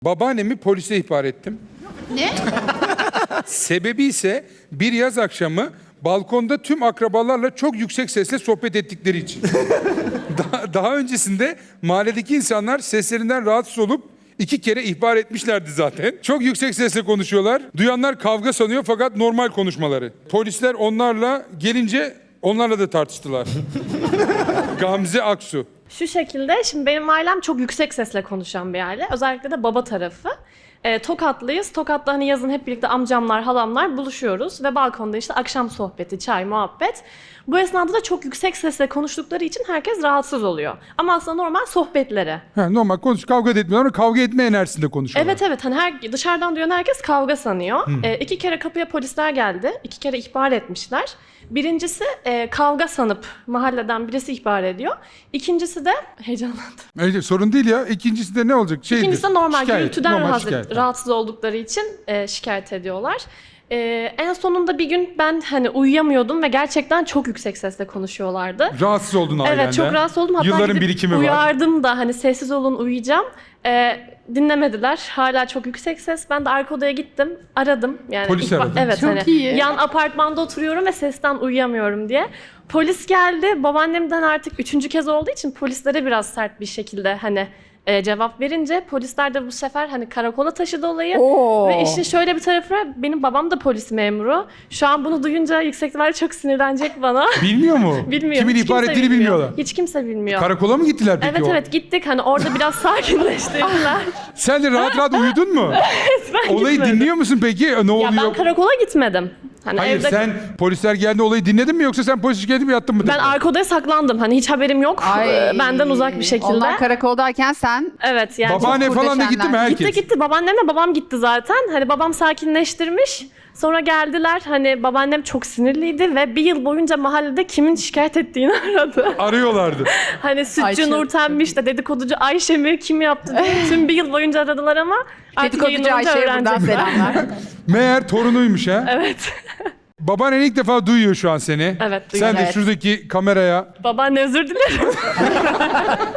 Babaannemi polise ihbar ettim. Ne? Sebebi ise bir yaz akşamı balkonda tüm akrabalarla çok yüksek sesle sohbet ettikleri için. Daha öncesinde mahalledeki insanlar seslerinden rahatsız olup 2 kere ihbar etmişlerdi zaten. Çok yüksek sesle konuşuyorlar. Duyanlar kavga sanıyor fakat normal konuşmaları. Polisler onlarla gelince onlarla da tartıştılar. Gamze Aksu. Şu şekilde, şimdi benim ailem çok yüksek sesle konuşan bir aile. Özellikle de baba tarafı. Tokatlıyız. Tokat'ta hani yazın hep birlikte amcamlar, halamlar buluşuyoruz. Ve balkonda işte akşam sohbeti, çay, muhabbet. Bu esnada da çok yüksek sesle konuştukları için herkes rahatsız oluyor. Ama aslında normal sohbetleri. Normal kavga da etmiyorlar ama kavga etme enerjisinde konuşuyorlar. Evet hani dışarıdan duyan herkes kavga sanıyor. 2 kere kapıya polisler geldi. 2 kere ihbar etmişler. Birincisi kavga sanıp mahalleden birisi ihbar ediyor. İkincisi de heyecanlandım. Evet, sorun değil ya. İkincisi de ne olacak? İkincisi de normal şikayet, gürültüden normal şikayet. rahatsız oldukları için şikayet ediyorlar. En sonunda bir gün ben hani uyuyamıyordum ve gerçekten çok yüksek sesle konuşuyorlardı. Rahatsız oldun ailenden. Evet, çok rahatsız oldum. Hatta Yılların gidip birikimi var. uyardım da hani sessiz olun, uyuyacağım. Dinlemediler. Hala çok yüksek ses. Ben de arka odaya gittim. Aradım. Yani Polis aradın. Evet, Çok hani iyi. yan apartmanda oturuyorum ve sesten uyuyamıyorum diye. Polis geldi. Babaannemden artık 3. kez olduğu için polislere biraz sert bir şekilde hani cevap verince polisler de bu sefer hani karakola taşıdı olayı. Oo. Ve işin şöyle bir tarafı var. Benim babam da polis memuru. Şu an bunu duyunca yüksek ihtimalle çok sinirlenecek bana. Bilmiyor mu? Bilmiyor. Kimin Hiç ihbar kimse ettiğini bilmiyor. bilmiyorlar. Hiç kimse bilmiyor. Karakola mı gittiler peki Evet o? evet gittik. Hani orada biraz sakinleştirdiler. Sen de rahat rahat uyudun mu? Ben Olayı gitmedim. dinliyor musun peki? Ne Ya oluyor? ben karakola gitmedim. Hani Hayır evde... sen polisler geldi olayı dinledin mi yoksa sen polis şikayeti mi yattın mı? Ben arka odaya saklandım. Hani hiç haberim yok. Ay. Benden uzak bir şekilde. Onlar karakoldayken sen Evet yani. Babaanne çok falan da gitti mi kurdeşenler. herkes? Gitti. Babaannemle babam gitti zaten. Hani babam sakinleştirmiş. Sonra geldiler. Hani babaannem çok sinirliydi ve bir yıl boyunca mahallede kimin şikayet ettiğini aradı. Arıyorlardı. Hani sütçü Ayşe. Nurten'miş de dedikoducu Ayşe mi kim yaptı diye tüm bir yıl boyunca aradılar ama artık dedikoducu yayınlanınca Ayşe'ye buradan öğrenecekler. selamlar. Meğer torunuymuş ha. Evet. Babaannen ilk defa duyuyor şu an seni. Evet, duyuyor. Sen de Evet. şuradaki kameraya Babaanne özür dilerim.